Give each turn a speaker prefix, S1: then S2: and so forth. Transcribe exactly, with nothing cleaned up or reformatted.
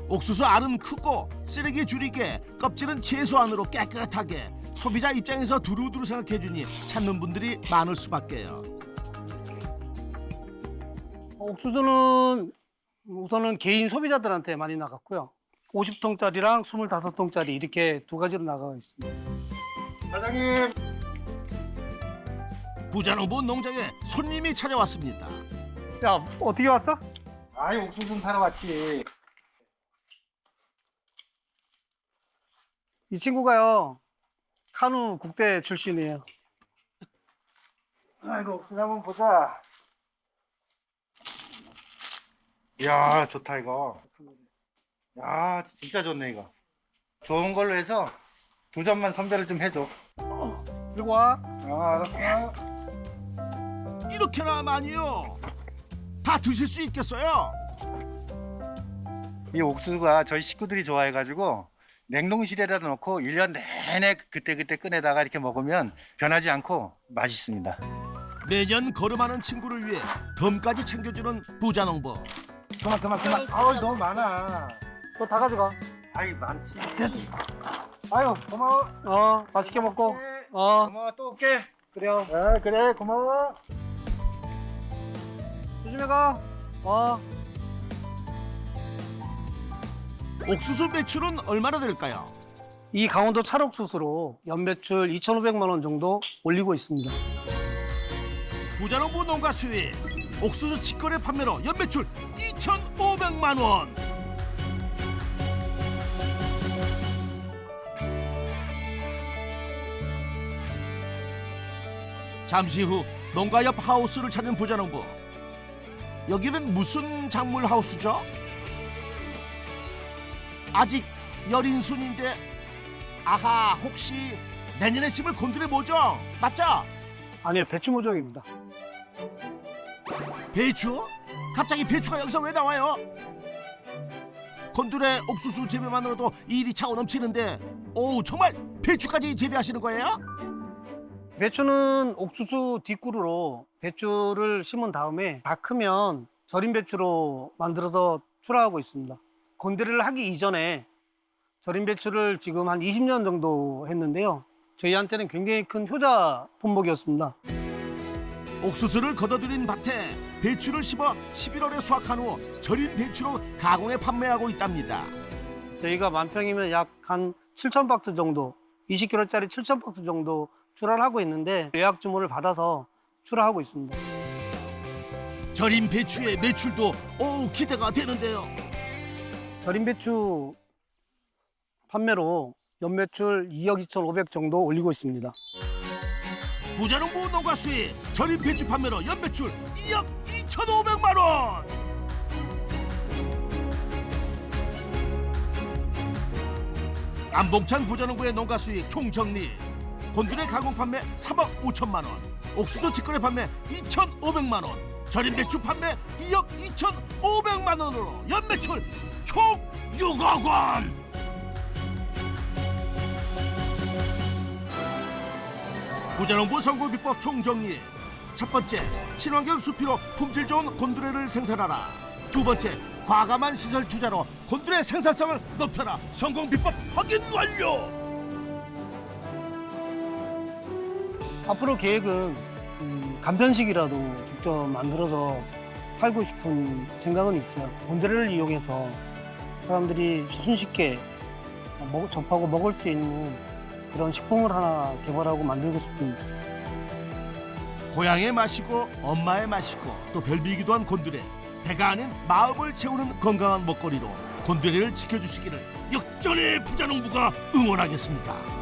S1: 옥수수 알은 크고 쓰레기 줄이게 껍질은 최소한으로 깨끗하게 소비자 입장에서 두루두루 생각해주니 찾는 분들이 많을 수밖에요.
S2: 옥수수는 우선은 개인 소비자들한테 많이 나갔고요. 오십 통짜리랑 이십오 통짜리 이렇게 두 가지로 나가고 있습니다.
S3: 사장님.
S1: 부자농부 농장에 손님이 찾아왔습니다.
S2: 야, 어떻게 왔어?
S3: 아이 옥수수 좀 사러 왔지.
S2: 이 친구가요, 카누 국대 출신이에요.
S3: 아이고 옥수수 한번 보자. 이야 좋다 이거. 야 진짜 좋네 이거. 좋은 걸로 해서 두 점만 선별을 좀 해줘.
S2: 들고 와.
S3: 아 알았어.
S1: 이렇게나 많이요? 다 드실 수 있겠어요?
S3: 이 옥수수가 저희 식구들이 좋아해가지고 냉동실에다 넣고 일 년 내내 그때그때 꺼내다가 이렇게 먹으면 변하지 않고 맛있습니다.
S1: 매년 걸음하는 친구를 위해 덤까지 챙겨주는 부자농부.
S3: 그만 그만 그만. 아우 너무 많아.
S2: 너 다 가져가.
S3: 아이 많지.
S2: 됐어.
S3: 아유 고마워.
S2: 어, 맛있게 먹고.
S3: 네,
S2: 어,
S3: 고마워 또 올게.
S2: 그래요.
S3: 아 그래 고마워.
S2: 조심해 가. 어.
S1: 옥수수 매출은 얼마나 될까요?
S2: 이 강원도 찰옥수수로 연매출 이천오백만 원 정도 올리고 있습니다.
S1: 부자농부 농가 수입 옥수수 직거래 판매로 연매출 이천오백만 원. 잠시 후 농가 옆 하우스를 찾은 부자농부. 여기는 무슨 작물 하우스죠? 아직 열인순인데 아하 혹시 내년에 심을 곤드레 모종 맞죠?
S2: 아니요, 배추 모종입니다.
S1: 배추? 갑자기 배추가 여기서 왜 나와요? 곤드레 옥수수 재배만으로도 일이 차고 넘치는데 오 정말 배추까지 재배하시는 거예요?
S2: 배추는 옥수수 뒷구루로 배추를 심은 다음에 다 크면 절임 배추로 만들어서 출하하고 있습니다. 곤드레를 하기 이전에 절임 배추를 지금 한 이십 년 정도 했는데요. 저희한테는 굉장히 큰 효자 품목이었습니다.
S1: 옥수수를 걷어들인 밭에 배추를 심어 십일월에 수확한 후 절임 배추로 가공해 판매하고 있답니다.
S2: 저희가 만평이면 약 한 칠천 박스 정도, 이십 킬로그램짜리 칠천 박스 정도 출하를 하고 있는데 예약 주문을 받아서 출하하고 있습니다.
S1: 절임 배추의 매출도 오 기대가 되는데요.
S2: 절임 배추 판매로 연매출 이억 이천오백 정도 올리고 있습니다.
S1: 부자농부 농가 수입 절임 배추 판매로 연매출 이억 이천오백만 원. 안봉찬 부자농부의 농가 수익 총정리. 곤드레 가공 판매 삼억 오천만 원, 옥수수 직거래 판매 이천오백만 원, 절임 배추 판매 이억 이천오백만 원으로 연매출 총 육억 원. 부자농부 선고 비법 총정리. 첫 번째, 친환경 수피로 품질 좋은 곤드레를 생산하라. 두 번째, 과감한 시설 투자로 곤드레 생산성을 높여라. 성공 비법 확인 완료.
S2: 앞으로 계획은 음, 간편식이라도 직접 만들어서 팔고 싶은 생각은 있어요. 곤드레를 이용해서 사람들이 손쉽게 먹, 접하고 먹을 수 있는 그런 식품을 하나 개발하고 만들고 싶습니다.
S1: 고향의 맛이고 엄마의 맛이고 또 별미이기도 한 곤드레. 배가 아닌 마음을 채우는 건강한 먹거리로 곤드레를 지켜주시기를 역전의 부자농부가 응원하겠습니다.